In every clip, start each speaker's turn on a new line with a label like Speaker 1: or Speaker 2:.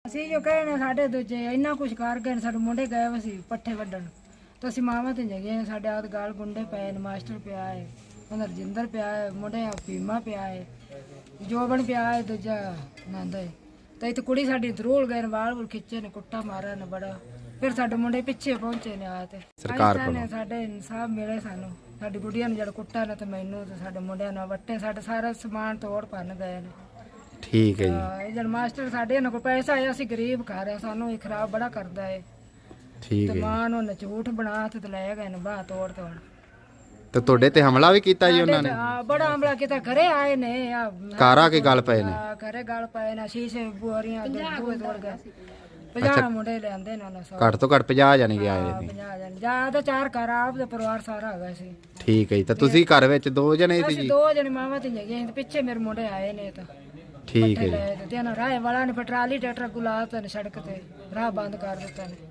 Speaker 1: ਅਸੀਂ ਜੋ ਕਹਿਣਾ ਸਾਡੇ ਦੂਜੇ ਇੰਨਾ ਕੁਛ ਕਰ ਗਏ ਨੇ, ਸਾਡੇ ਮੁੰਡੇ ਗਏ ਵੇ ਸੀ ਪੱਠੇ ਵੱਢਣ ਤਾਂ ਅਸੀਂ ਮਾਵਾਂ ਤੇ ਜਗੇ ਸਾਡੇ ਆਦ ਗਾਲ ਗੁੰਡੇ ਪਏ ਨੇ, ਮਾਸਟਰ ਪਿਆ ਹੈ, ਉਹਨਾਂ ਰਜਿੰਦਰ ਪਿਆ ਹੈ, ਮੁੰਡੇ ਆ ਭੀਮਾ ਪਿਆ ਹੈ, ਜੋਬਨ ਪਿਆ ਹੈ, ਦੂਜਾ ਨੰਦ ਹੈ। ਤਾਂ ਇੱਥੇ ਕੁੜੀ ਸਾਡੀ ਧਰੂਲ ਗਏ ਨੇ, ਵਾਲ ਵੁਲ ਖਿੱਚੇ ਨੇ, ਕੁੱਟਾ ਮਾਰਿਆ ਨੇ ਬੜਾ। ਫਿਰ ਸਾਡੇ ਮੁੰਡੇ ਪਿੱਛੇ ਪਹੁੰਚੇ ਨੇ ਆ ਤੇ
Speaker 2: ਸਰਕਾਰ ਕੋਲ
Speaker 1: ਸਾਡੇ ਇਨਸਾਫ ਮਿਲੇ ਸਾਨੂੰ, ਸਾਡੀ ਗੁੱਡੀਆਂ ਨੂੰ ਜਿਹੜਾ ਕੁੱਟਾ ਨੇ ਤੇ ਮੈਨੂੰ ਤੇ ਸਾਡੇ ਮੁੰਡਿਆਂ ਨੂੰ ਵੱਟੇ, ਸਾਡੇ ਸਾਰਾ ਸਮਾਨ ਤੋੜ ਭੰਨ ਗਏ ਨੇ।
Speaker 2: ਠੀਕ ਹੈ ਜੀ।
Speaker 1: ਇਹ ਜਦ ਮਾਸਟਰ ਸਾਡੇ ਇਹਨਾਂ ਕੋਲ ਪੈਸਾ ਆਇਆ, ਅਸੀਂ ਗਰੀਬ ਘਰ ਆ, ਸਾਨੂੰ ਇਹ ਖਰਾਬ ਬੜਾ ਕਰਦਾ ਹੈ।
Speaker 2: ਠੀਕ
Speaker 1: ਤੇ
Speaker 2: ਹੈ
Speaker 1: ਮਾਂ ਨੂੰ ਝੂਠ ਬਣਾ ਤੇ ਲੈ ਗਏ ਨੇ ਬਾਹ ਤੋੜ ਤੋੜ।
Speaker 2: ਤੇ ਤੁਹਾਡੇ ਤੇ ਹਮਲਾ ਵੀ ਕੀਤਾ ਜੀ ਉਹਨਾਂ ਨੇ?
Speaker 1: ਬੜਾ ਹਮਲਾ ਕੀਤਾ, ਘਰੇ ਆਏ ਨੇ,
Speaker 2: ਘਰ ਆ ਕੇ ਗੱਲ ਪਏ ਨੇ?
Speaker 1: ਘਰੇ ਗੱਲ ਪਏ ਨੇ, ਸ਼ੀਸ਼ੇ ਬੁਆਰੀਆਂ ਦੂਏ ਤੋੜ ਗਏ। 50 ਮੁੰਡੇ ਲਿਆਂਦੇ ਨੇ ਉਹਨਾਂ
Speaker 2: ਘੱਟ ਤੋਂ ਘੱਟ 50 ਜਾਣੇ ਗਏ ਆਏ ਸੀ?
Speaker 1: 50 ਜਣ ਜਿਆਦਾ, 4 ਘਰ ਆਪ ਦਾ ਪਰਿਵਾਰ ਸਾਰਾ ਹੈਗਾ ਸੀ।
Speaker 2: ਠੀਕ ਹੈ ਜੀ। ਤਾਂ ਤੁਸੀਂ ਘਰ ਵਿੱਚ 2 ਜਣੇ ਸੀ
Speaker 1: ਅਸੀਂ
Speaker 2: ਜੀ?
Speaker 1: 2 ਜਣੇ ਮਾਵਾਂ ਤੇ ਗਏ, ਪਿੱਛੇ ਮੇਰੇ ਮੁੰਡੇ ਆਏ ਨੇ ਤਾਂ
Speaker 2: ਠੀਕ ਹੈ ਜੀ।
Speaker 1: ਤੇ ਨਾ ਰਾਹ ਵਾਲਾ ਨੇ ਪਟਰਾਲੀ ਟਰੈਕਟਰ ਗੁਲਾਤਾ ਨੇ, ਸੜਕ ਤੇ ਰਾਹ ਬੰਦ ਕਰ ਦਿੱਤਾ ਨੇ।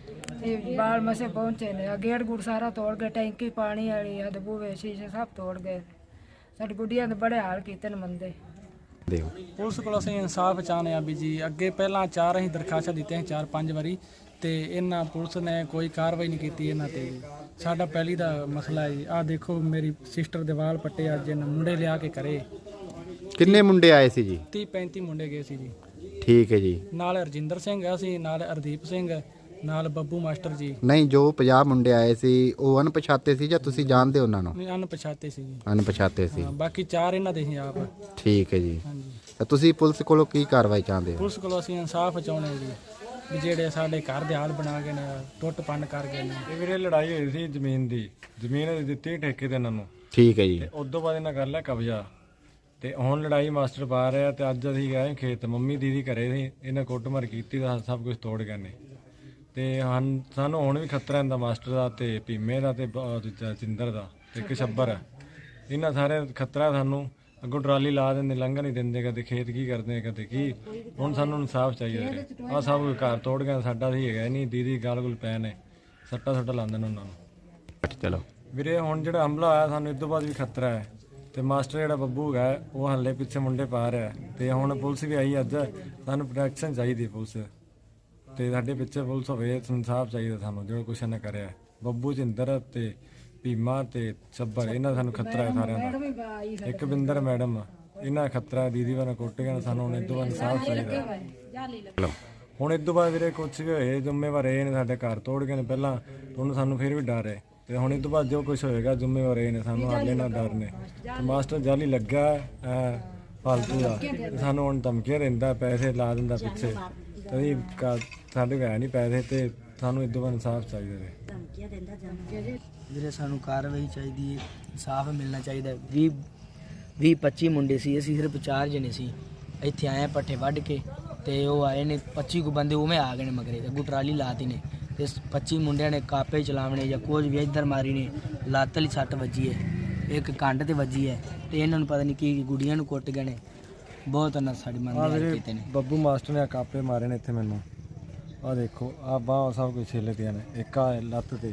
Speaker 1: ਤੇ ਬਾਲ ਮਸੇ ਪਹੁੰਚੇ ਨੇ, ਗੇਟ ਗੁੜ ਸਾਰਾ ਤੋੜ ਗਏ, ਟੈਂਕੀ ਪਾਣੀ ਵਾਲੀ ਆ, ਬੂਹੇ ਸ਼ੀਸ਼ੇ ਸਭ ਤੋੜ ਗਏ। ਸਾਡੀ ਗੁੱਡੀਆਂ ਦੇ ਬੜੇ ਹਾਲ ਕੀਤੇ ਨੇ ਮੰਦੇ।
Speaker 2: ਦਿਓ
Speaker 3: ਪੁਲਿਸ ਕੋਲ ਅਸੀਂ ਇਨਸਾਫ ਚਾਹੁੰਦੇ ਹਾਂ ਵੀ ਜੀ। ਅੱਗੇ ਪਹਿਲਾਂ 4 ਅਸੀਂ ਦਰਖਾਸਤਾਂ ਦਿੱਤੀਆਂ 4-5 ਵਾਰੀ, ਤੇ ਇਹਨਾਂ ਪੁਲਿਸ ਨੇ ਕੋਈ ਕਾਰਵਾਈ ਨਹੀਂ ਕੀਤੀ ਇਹਨਾਂ ਤੇ। ਸਾਡਾ ਪਹਿਲੀ ਦਾ ਮਸਲਾ ਹੈ ਜੀ, ਆਹ ਦੇਖੋ ਮੇਰੀ ਸਿਸਟਰ ਦੇ ਵਾਲ ਪੱਟੇ ਅੱਜ ਇਹਨਾਂ ਮੁੰਡੇ ਲਿਆ ਕੇ ਕਰੇ।
Speaker 2: ਕਿੰਨੇ ਮੁੰਡੇ ਆਏ ਸੀ ਜੀ?
Speaker 3: 30-35 ਮੁੰਡੇ ਗਏ ਸੀ ਜੀ।
Speaker 2: ਠੀਕ ਹੈ ਜੀ।
Speaker 3: ਨਾਲ ਰਜਿੰਦਰ ਸਿੰਘ ਆ ਸੀ, ਨਾਲ ਹਰਦੀਪ ਸਿੰਘ, ਨਾਲ ਬੱਬੂ ਮਾਸਟਰ ਜੀ।
Speaker 2: ਨਹੀਂ, ਜੋ 50 ਮੁੰਡੇ ਆਏ ਸੀ ਉਹ ਅਣਪਛਾਤੇ ਸੀ ਜਾਂ ਤੁਸੀਂ ਜਾਣਦੇ ਉਹਨਾਂ ਨੂੰ?
Speaker 3: ਨਹੀਂ, ਅਣਪਛਾਤੇ ਸੀ ਜੀ।
Speaker 2: ਅਣਪਛਾਤੇ ਸੀ।
Speaker 3: ਹਾਂ, ਬਾਕੀ 4 ਇਹਨਾਂ ਦੇ ਸੀ ਆਪ।
Speaker 2: ਠੀਕ ਹੈ ਜੀ।
Speaker 3: ਹਾਂਜੀ।
Speaker 2: ਤਾਂ ਤੁਸੀਂ ਪੁਲਿਸ ਕੋਲੋਂ ਕੀ ਕਾਰਵਾਈ ਚਾਹੁੰਦੇ ਹੋ?
Speaker 3: ਪੁਲਿਸ ਕੋਲੋਂ ਅਸੀਂ ਇਨਸਾਫ ਚਾਹੁੰਦੇ ਹਾਂ ਜੀ, ਵੀ ਜਿਹੜੇ ਸਾਡੇ ਘਰ ਦੇ ਹਾਲ ਬਣਾ ਕੇ ਨੇ, ਟੁੱਟ ਭੰਨ ਕਰ ਗਏ ਨੇ।
Speaker 4: ਇਹ ਵੀਰੇ ਲੜਾਈ ਹੋਈ ਸੀ ਜ਼ਮੀਨ ਦੀ, ਜ਼ਮੀਨ ਦਿੱਤੀ ਠੇਕੇ ਤੇ ਇਹਨਾਂ ਨੂੰ।
Speaker 2: ਠੀਕ ਹੈ ਜੀ।
Speaker 4: ਤੇ ਉਸ ਤੋਂ ਬਾਅਦ ਇਹਨਾਂ ਕਰ ਲਿਆ ਕਬਜ਼ਾ, ਤੇ ਹੁਣ ਲੜਾਈ ਮਾਸਟਰ ਪਾ ਰਿਹਾ। ਤੇ ਅੱਜ ਅਸੀਂ ਗਏ ਖੇਤ, ਮੰਮੀ ਦੀਦੀ ਘਰੇ ਸੀ, ਇਹਨਾਂ ਕੁੱਟਮਾਰ ਕੀਤੀ ਤਾਂ ਸਭ ਕੁਝ ਤੋੜ ਗਏ ਨੇ। ਤੇ ਸਾਨੂੰ ਹੁਣ ਵੀ ਖਤਰਾ ਇਹਦਾ ਮਾਸਟਰ ਦਾ ਤੇ ਭੀਮੇ ਦਾ ਤੇ ਸਿੰਦਰ ਦਾ ਤੇ ਇੱਕ ਛੱਬਰ, ਇਹਨਾਂ ਸਾਰੇ ਖਤਰਾ ਸਾਨੂੰ। ਅੱਗੋਂ ਟਰਾਲੀ ਲਾ ਦਿੰਦੇ, ਲੰਘ ਨਹੀਂ ਦਿੰਦੇ, ਕਦੇ ਖੇਤ ਕੀ ਕਰਦੇ ਕਦੇ ਕੀ। ਹੁਣ ਸਾਨੂੰ ਇਨਸਾਫ ਚਾਹੀਦਾ। ਆਹ ਸਭ ਘਰ ਤੋੜ ਗਏ, ਸਾਡਾ ਸੀ ਹੈਗਾ ਨਹੀਂ। ਦੀਦੀ ਗਾਲ ਗੁਲ ਪੈ ਨੇ, ਸੱਟਾ ਲਾਉਂਦੇ ਨੇ ਉਹਨਾਂ ਨੂੰ।
Speaker 2: ਚਲੋ
Speaker 4: ਵੀਰੇ ਹੁਣ ਜਿਹੜਾ ਹਮਲਾ ਹੋਇਆ ਸਾਨੂੰ ਇਸ ਤੋਂ ਬਾਅਦ ਵੀ ਖਤਰਾ ਹੈ। ਤੇ ਮਾਸਟਰ ਜਿਹੜਾ ਬੱਬੂ ਹੈਗਾ ਉਹ ਹੱਲੇ ਪਿੱਛੇ ਮੁੰਡੇ ਪਾ ਰਿਹਾ। ਤੇ ਹੁਣ ਪੁਲਿਸ ਵੀ ਆਈ ਅੱਜ, ਸਾਨੂੰ ਪ੍ਰੋਟੈਕਸ਼ਨ ਚਾਹੀਦੀ ਪੁਲਿਸ, ਤੇ ਸਾਡੇ ਪਿੱਛੇ ਪੁਲਿਸ ਹੋਵੇ। ਇਨਸਾਫ ਚਾਹੀਦਾ ਸਾਨੂੰ, ਜਿਹੜਾ ਕੁਛ ਇਹਨੇ ਕਰਿਆ। ਬੱਬੂ ਜਿੰਦਰ ਤੇ ਭੀਮਾ ਤੇ ਛੱਬਰ, ਇਹਨਾਂ ਦਾ ਸਾਨੂੰ ਖਤਰਾ ਹੈ ਸਾਰਿਆਂ ਦਾ। ਇੱਕ ਬਿੰਦਰ ਮੈਡਮ, ਇਹਨਾਂ ਦਾ ਖਤਰਾ। ਦੀਦੀ ਵਾਲਾ ਕੁੱਟ ਗਿਆ ਸਾਨੂੰ, ਹੁਣ ਇਸ ਤੋਂ ਬਾਅਦ ਇਨਸਾਫ ਚਾਹੀਦਾ। ਹੁਣ ਇਸ ਤੋਂ ਬਾਅਦ ਵੀਰੇ ਕੁਛ ਵੀ ਹੋਏ, ਜ਼ਿੰਮੇਵਾਰ ਇਹ ਨੇ। ਸਾਡੇ ਘਰ ਤੋੜ ਗਏ ਨੇ ਪਹਿਲਾਂ, ਹੁਣ ਸਾਨੂੰ ਫਿਰ ਵੀ ਡਰ ਹੈ। ਤੇ ਹੁਣ ਇਸ ਤੋਂ ਬਾਅਦ ਜੋ ਕੁਛ ਹੋਏਗਾ ਜ਼ਿੰਮੇਵਾਰ ਇਹ ਨੇ, ਸਾਨੂੰ ਹਾਲੇ ਨਾਲ ਡਰ ਨੇ। ਤੇ ਮਾਸਟਰ ਜਾਲੀ ਲੱਗਾ ਫਾਲਤੂ ਦਾ, ਸਾਨੂੰ ਹੁਣ ਧਮਕੀਆਂ ਦਿੰਦਾ, ਪੈਸੇ ਲਾ ਦਿੰਦਾ ਪਿੱਛੇ। ਤੇ ਸਾਡੇ ਹੈ ਨਹੀਂ ਪੈਸੇ, ਤੇ ਸਾਨੂੰ ਇਸ ਤੋਂ ਬਾਅਦ ਇਨਸਾਫ ਚਾਹੀਦਾ ਹੈ।
Speaker 5: ਵੀਰੇ ਸਾਨੂੰ ਕਾਰਵਾਈ ਚਾਹੀਦੀ ਹੈ, ਇਨਸਾਫ ਮਿਲਣਾ ਚਾਹੀਦਾ। 20-25 ਮੁੰਡੇ ਸੀ, ਅਸੀਂ ਸਿਰਫ 4 ਜਣੇ ਸੀ। ਇੱਥੇ ਆਏ ਪੱਠੇ ਵੱਢ ਕੇ, ਤੇ ਉਹ ਆਏ ਨੇ 25 ਕੁ ਬੰਦੇ ਉਵੇਂ ਆ ਗਏ ਨੇ ਮਗਰੇ, ਅੱਗੋਂ ਟਰਾਲੀ ਲਾਤੀ ਨੇ। ਤੇ 25 ਮੁੰਡਿਆਂ ਨੇ ਕਾਪੇ ਚਲਾਵਣੇ ਜਾਂ ਕੁਝ ਵੀ ਇੱਧਰ ਮਾਰੀ ਨੇ। ਲੱਤ ਵਾਲੀ ਸੱਟ ਵੱਜੀ ਹੈ, ਇੱਕ ਕੰਡ ਤੇ ਵੱਜੀ ਹੈ, ਤੇ ਇਹਨਾਂ ਨੂੰ ਪਤਾ ਨਹੀਂ ਕੀ ਗੁੱਡੀਆਂ ਨੂੰ ਕੁੱਟ ਗਏ ਨੇ। ਬਹੁਤ ਨਾ ਸਾਡੀ ਮੰਨਦੇ ਕੀਤੇ ਨੇ।
Speaker 4: ਬੱਬੂ ਮਾਸਟਰ ਨੇ ਕਾਪੇ ਮਾਰੇ ਨੇ ਇੱਥੇ ਮੈਨੂੰ। ਆਹ ਦੇਖੋ, ਆਹ ਬਾਹ ਸਭ ਕੁਝ ਛਿੱਲ ਦੀਆਂ ਨੇ, ਇੱਕ ਆ ਲੱਤ ਤੇ।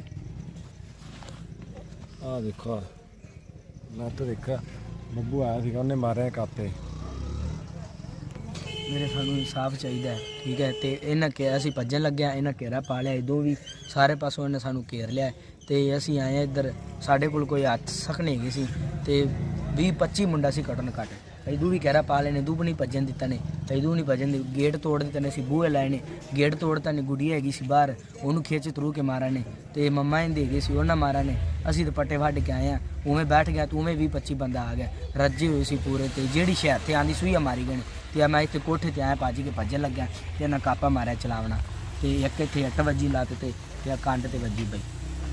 Speaker 4: ਆਹ ਦੇਖੋ ਲੱਤ ਦੇਖਾ, ਬੱਬੂ ਆਇਆ ਸੀਗਾ, ਉਹਨੇ ਮਾਰਿਆ ਕਾਪੇ।
Speaker 5: ਮੇਰੇ ਸਾਨੂੰ ਇਨਸਾਫ ਚਾਹੀਦਾ ਹੈ, ਠੀਕ ਹੈ। ਤੇ ਇਹਨਾਂ ਕਿਹਾ ਅਸੀਂ ਭੱਜਣ ਲੱਗਿਆ, ਇਹਨਾਂ ਘੇਰਾ ਪਾ ਲਿਆ ਇਦੋਂ ਵੀ, ਸਾਰੇ ਪਾਸੋਂ ਇਹਨੇ ਸਾਨੂੰ ਘੇਰ ਲਿਆ। ਤੇ ਅਸੀਂ ਆਏ ਇੱਧਰ, ਸਾਡੇ ਕੋਲ ਕੋਈ ਹੱਥ ਸਖ ਨਹੀਂ ਹੈਗੇ ਸੀ। ਤੇ 20-25 ਮੁੰਡਾ ਸੀ ਘੱਟੋ ਘੱਟ। ਇਦੋਂ ਵੀ ਕਹਿਰਾ ਪਾ ਲੈਣੇ, ਦੂਬ ਨਹੀਂ ਭੱਜਣ ਦਿੱਤਾ ਨੇ, ਇਦੋਂ ਨਹੀਂ ਭੱਜਣ ਦੇ। ਗੇਟ ਤੋੜ ਦਿੱਤੇ ਨੇ, ਅਸੀਂ ਬੂਹੇ ਲਾਏ ਨੇ, ਗੇਟ ਤੋੜਤਾ ਨੇ। ਗੁੱਡੀਆ ਹੈਗੀ ਸੀ ਬਾਹਰ, ਉਹਨੂੰ ਖਿੱਚ ਤਰੂ ਕੇ ਮਾਰਾ ਨੇ। ਤੇ ਮੰਮਾ ਇਹਦੇ ਹੈਗੇ ਸੀ, ਉਹਨਾਂ ਮਾਰਾ ਨੇ। ਅਸੀਂ ਤਾਂ ਪੱਟੇ ਵੱਢ ਕੇ ਆਏ ਹਾਂ, ਉਵੇਂ ਬੈਠ ਗਿਆ, ਤੂੰ ਉਵੇਂ 20-25 ਬੰਦਾ ਆ ਗਿਆ, ਰੱਜੇ ਹੋਏ ਸੀ ਪੂਰੇ। ਤੇ ਜਿਹੜੀ ਸ਼ਹਿਰ ਤੇ ਆਂਦੀ ਸੂਈਆ ਮਾਰੀ ਗਏ ਨੇ। ਤੇ ਮੈਂ ਇੱਥੇ ਕੋਠੇ ਤੇ ਆਇਆ, ਭੱਜ ਕੇ ਭੱਜਣ ਲੱਗਿਆ, ਤੇ ਇਹਨਾਂ ਕਾਪਾ ਮਾਰਿਆ ਚਲਾਵਣਾ। ਤੇ ਇੱਕ ਇੱਥੇ 8 ਵੱਜੀ ਲੱਤ ਤੇ ਆ ਕੰਡ ਤੇ ਵੱਜੀ ਬਈ।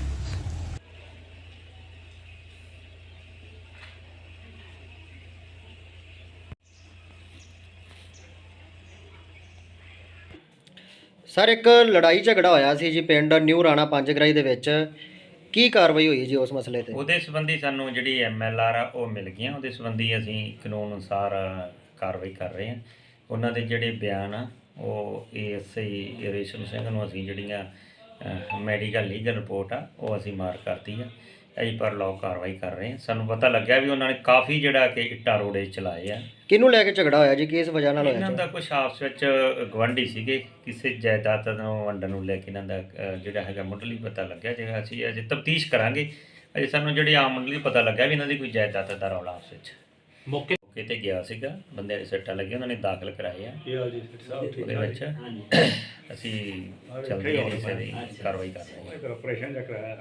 Speaker 6: ਸਰ, ਇੱਕ ਲੜਾਈ ਝਗੜਾ ਹੋਇਆ ਸੀ ਜੀ ਪਿੰਡ ਨਿਊ ਰਾਣਾ ਪੰਜਗਰਾਈ ਦੇ ਵਿੱਚ, ਕੀ ਕਾਰਵਾਈ ਹੋਈ ਜੀ ਉਸ ਮਸਲੇ ਤੇ?
Speaker 7: ਉਹਦੇ ਸੰਬੰਧੀ ਸਾਨੂੰ ਜਿਹੜੀ MLR ਆ ਉਹ ਮਿਲ ਗਈਆਂ। ਉਹਦੇ ਸੰਬੰਧੀ ਅਸੀਂ ਕਾਨੂੰਨ ਅਨੁਸਾਰ ਕਾਰਵਾਈ ਕਰ ਰਹੇ ਹਾਂ। ਉਹਨਾਂ ਦੇ ਜਿਹੜੇ ਬਿਆਨ ਆ ਉਹ ASI ਰੇਸ਼ਮ ਸਿੰਘ ਨੂੰ ਅਸੀਂ ਜਿਹੜੀਆਂ ਮੈਡੀਕਲ ਲੀਗਲ ਰਿਪੋਰਟ ਆ ਉਹ ਅਸੀਂ ਮਾਰ ਕਰਤੀ ਆ। ਅਸੀਂ ਪਰ ਲੋ ਕਾਰਵਾਈ ਕਰ ਰਹੇ ਹਾਂ। ਸਾਨੂੰ ਪਤਾ ਲੱਗਿਆ ਵੀ ਉਹਨਾਂ ਨੇ ਕਾਫੀ ਜਿਹੜਾ ਕਿ ਇੱਟਾਂ ਰੋੜੇ ਚਲਾਏ ਆ।
Speaker 6: ਕਿਹਨੂੰ ਲੈ ਕੇ ਝਗੜਾ ਹੋਇਆ ਜੀ, ਕਿਸ ਵਜ੍ਹਾ ਨਾਲ
Speaker 7: ਇਹਨਾਂ
Speaker 6: ਹੋਇਆ
Speaker 7: ਦਾ ਕੁਝ ਆਪਸ ਵਿੱਚ ਗਵਾਂਢੀ ਸੀਗੇ, ਕਿਸੇ ਜਾਇਦਾਦ ਨੂੰ ਵੰਡਣ ਨੂੰ ਲੈ ਕੇ ਇਹਨਾਂ ਦਾ ਜਿਹੜਾ ਹੈਗਾ ਮੁੱਢਲੀ ਪਤਾ ਲੱਗਿਆ। ਜੇ ਅਸੀਂ ਅਜੇ ਤਫਤੀਸ਼ ਕਰਾਂਗੇ, ਅਜੇ ਸਾਨੂੰ ਜਿਹੜੀ ਆਮ ਮੁੱਢਲੀ ਪਤਾ ਲੱਗਾ ਵੀ ਇਹਨਾਂ ਦੀ ਕੋਈ ਜਾਇਦਾਦ ਦਾ ਰੌਲਾ ਆਪਸ ਵਿੱਚ। ਮੌਕੇ ਤੇ ਗਿਆ ਸੀਗਾ, ਬੰਦਿਆਂ ਦੇ ਸੱਟਾਂ ਲੱਗੀਆਂ, ਉਹਨਾਂ ਨੇ ਦਾਖਲ ਕਰਾਏ ਆ। ਉਹਦੇ ਵਿੱਚ ਅਸੀਂ ਜਲਦੀ ਇਹਦੀ ਕਾਰਵਾਈ ਕਰ ਰਹੇ ਹਾਂ।